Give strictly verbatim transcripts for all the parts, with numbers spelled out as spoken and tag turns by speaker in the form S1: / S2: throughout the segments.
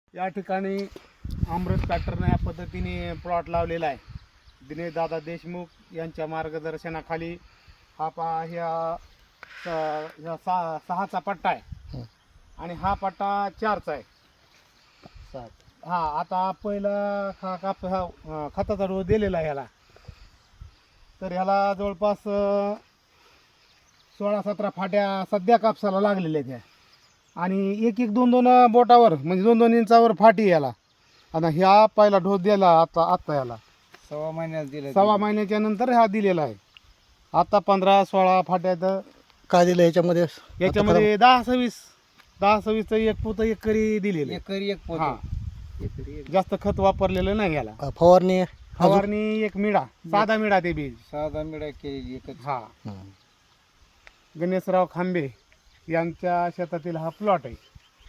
S1: या ठिकाणी अमृत पॅटर्न या पद्धतीने प्लॉट लावलेला आहे. दिनेश दादा देशमुख यांच्या मार्गदर्शनाखाली हा पा ह्या स- ह्या सहा सहाचा पट्टा आहे आणि हा पट्टा चारचा आहे.
S2: सात
S1: हा आता पहिला हा काप हा अं, खताचा डोस दिलेला आहे ह्याला. तर ह्याला जवळपास अं, सोळा सतरा फाट्या सध्या कापसाला लागलेल्या आहेत ह्या. आणि एक एक दोन दोन बोटावर म्हणजे दोन दोन इंचावर फाटी आहे याला. आता ह्या पहिला डोस दिला आता आत्ता याला
S2: सव्वा महिन्यात दिलं
S1: सव्वा महिन्याच्या नंतर हा दिलेला आहे. आता पंधरा सोळा फाट्यात
S3: काय दिलं याच्यामध्ये?
S1: याच्यामध्ये दहा सव्वीस दहा सव्वीसचं एक पोतं एक करी दिलेलं आहे.
S2: एकरी एक पोत
S1: हा जास्त खत वापरलेलं नाही याला.
S3: अ, फवारणी
S1: फवारणी एक मिडा साधा मिडा ते बीज.
S2: साधा मिळा केलेली एकच.
S1: हा
S3: हं.
S1: गणेशराव खांबे यांच्या शेतातील हा प्लॉट आहे.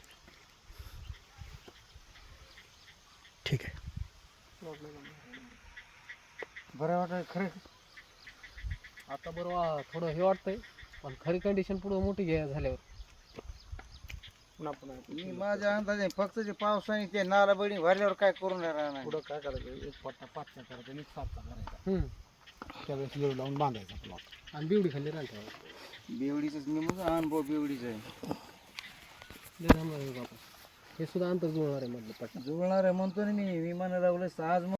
S3: ठीक आहे.
S2: बरं वाटत खरं.
S4: आता बरोबर थोडं हे वाटतंय पण खरी कंडिशन पुढे मोठी घ्या झाल्यावर
S1: पुन्हा पुन्हा
S2: मी माझ्या अंदाजे फक्त जे पावसाने ते नाला बळी भरल्यावर काय करून राहणार.
S1: पुढं काय करायचं एक पट्टा पाचचा करायचा आणि एक सातचा करायचा.
S4: हम्म.
S1: त्यावेळेस लेव लावून बांधायचा प्लॉट.
S4: आणि बिवडी खाली राहते
S2: बेवडीच मी मग अनुभव बेवडीच आहे.
S4: हे सुद्धा अंतर जुळणार आहे मधलं पट्टा
S2: जुळणार आहे म्हणतो ना मी विमान लावलं आज